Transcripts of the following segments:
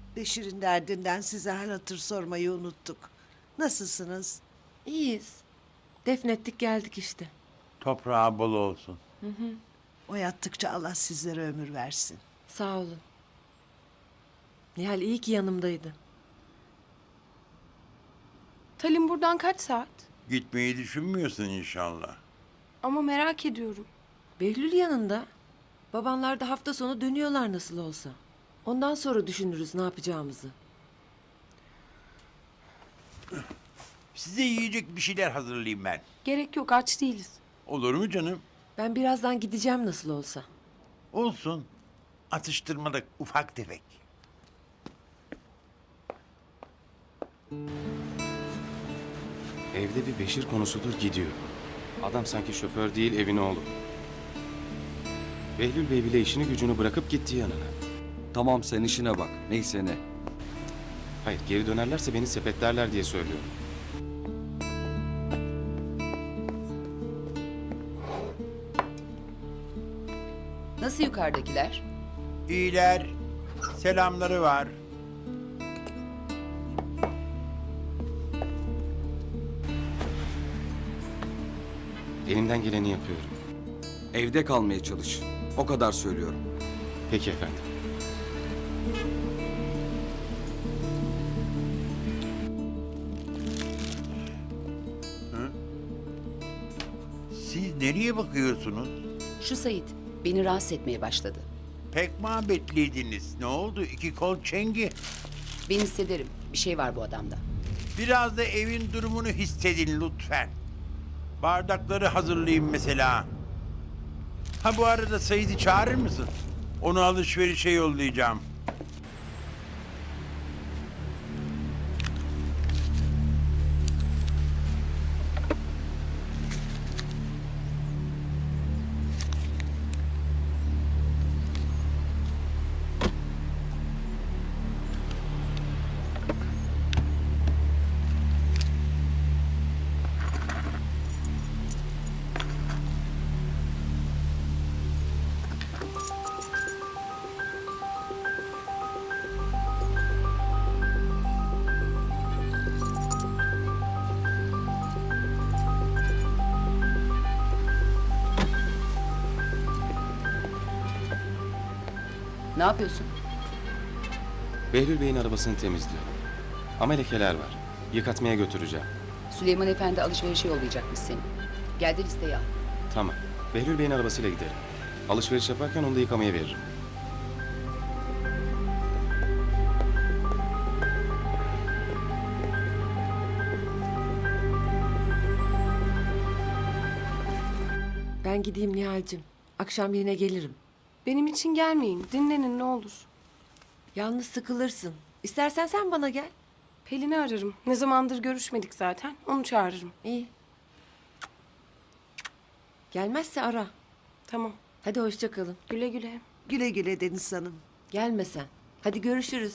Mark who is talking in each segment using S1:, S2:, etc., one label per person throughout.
S1: Beşir'in derdinden size hal hatır sormayı unuttuk. Nasılsınız?
S2: İyiyiz. Defnettik geldik işte.
S3: Toprağı bol olsun.
S1: O yattıkça Allah sizlere ömür versin.
S2: Sağ olun. Nihal iyi ki yanımdaydı.
S4: Talim buradan kaç saat?
S3: Gitmeyi düşünmüyorsun inşallah.
S4: Ama merak ediyorum.
S2: Behlül yanında. Babanlar da hafta sonu dönüyorlar nasıl olsa. Ondan sonra düşünürüz ne yapacağımızı.
S3: Size yiyecek bir şeyler hazırlayayım ben.
S4: Gerek yok, aç değiliz.
S3: Olur mu canım?
S2: Ben birazdan gideceğim nasıl olsa.
S3: Olsun. Atıştırmalık ufak tefek.
S5: Evde bir Beşir konusudur gidiyor. Adam sanki şoför değil evin oğlu. Behlül Bey bile işini gücünü bırakıp gitti yanına.
S6: Tamam sen işine bak. Neyse ne.
S5: Hayır geri dönerlerse beni sepetlerler diye söylüyorum.
S7: Nasıl yukarıdakiler?
S3: İyiler. Selamları var.
S5: Elimden geleni yapıyorum.
S6: Evde kalmaya çalış. O kadar söylüyorum.
S5: Peki efendim.
S3: Siz nereye bakıyorsunuz?
S7: Şu Sait beni rahatsız etmeye başladı.
S3: Pek muhabbetliydiniz. Ne oldu? İki kol çengi.
S7: Ben hissederim. Bir şey var bu adamda.
S3: Biraz da evin durumunu hissedin lütfen. Bardakları hazırlayayım mesela. Ha bu arada Said'i çağırır mısın? Onu alışverişe yollayacağım.
S7: Ne yapıyorsun?
S5: Behlül Bey'in arabasını temizliyorum. Ama lekeler var. Yıkatmaya götüreceğim.
S7: Süleyman Efendi alışverişe yollayacakmış seni. Gel de listeyi al.
S5: Tamam. Behlül Bey'in arabasıyla giderim. Alışveriş yaparken onu da yıkamaya veririm.
S2: Ben gideyim Nihal'cim. Akşam yine gelirim.
S4: Benim için gelmeyin, dinlenin ne olur.
S2: Yalnız sıkılırsın. İstersen sen bana gel.
S4: Pelin'i ararım. Ne zamandır görüşmedik zaten. Onu çağırırım.
S2: İyi. Gelmezse ara.
S4: Tamam.
S2: Hadi hoşça kalın.
S4: Güle güle.
S1: Güle güle Deniz Hanım.
S2: Gelme sen. Hadi görüşürüz.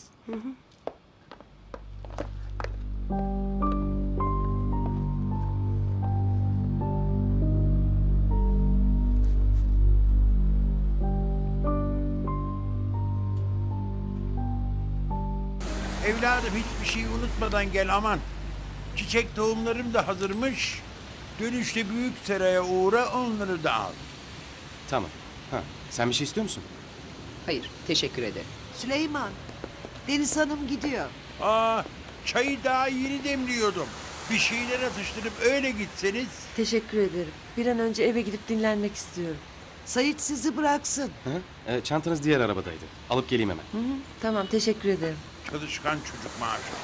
S3: Evladım hiçbir şey unutmadan gel aman. Çiçek tohumlarım da hazırmış. Dönüşte büyük seraya uğra onları da al.
S5: Tamam. Ha, sen bir şey istiyor musun?
S7: Hayır, teşekkür ederim.
S1: Süleyman, Deniz Hanım gidiyor.
S3: Aa, çayı daha yeni demliyordum. Bir şeyler atıştırıp öyle gitseniz.
S2: Teşekkür ederim. Bir an önce eve gidip dinlenmek istiyorum.
S1: Sait sizi bıraksın.
S5: Ha? Çantanız diğer arabadaydı. Alıp geleyim hemen.
S2: Hı hı, tamam teşekkür ederim.
S3: Çalışkan çocuk maaşı.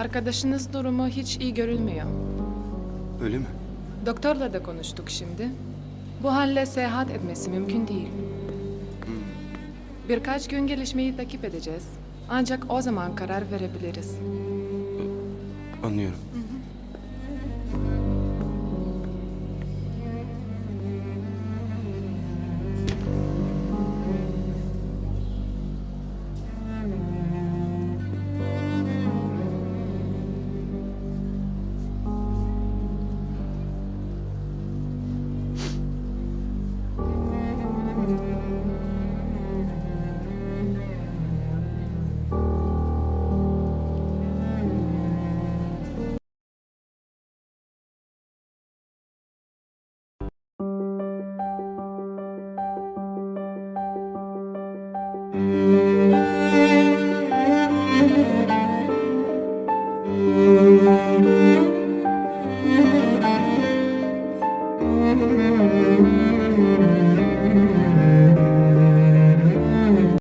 S8: Arkadaşınız durumu hiç iyi görünmüyor.
S5: Öyle mi?
S8: Doktorla da konuştuk şimdi. Bu halle seyahat etmesi mümkün değil. Birkaç gün gelişmeyi takip edeceğiz. Ancak o zaman karar verebiliriz.
S5: Anlıyorum.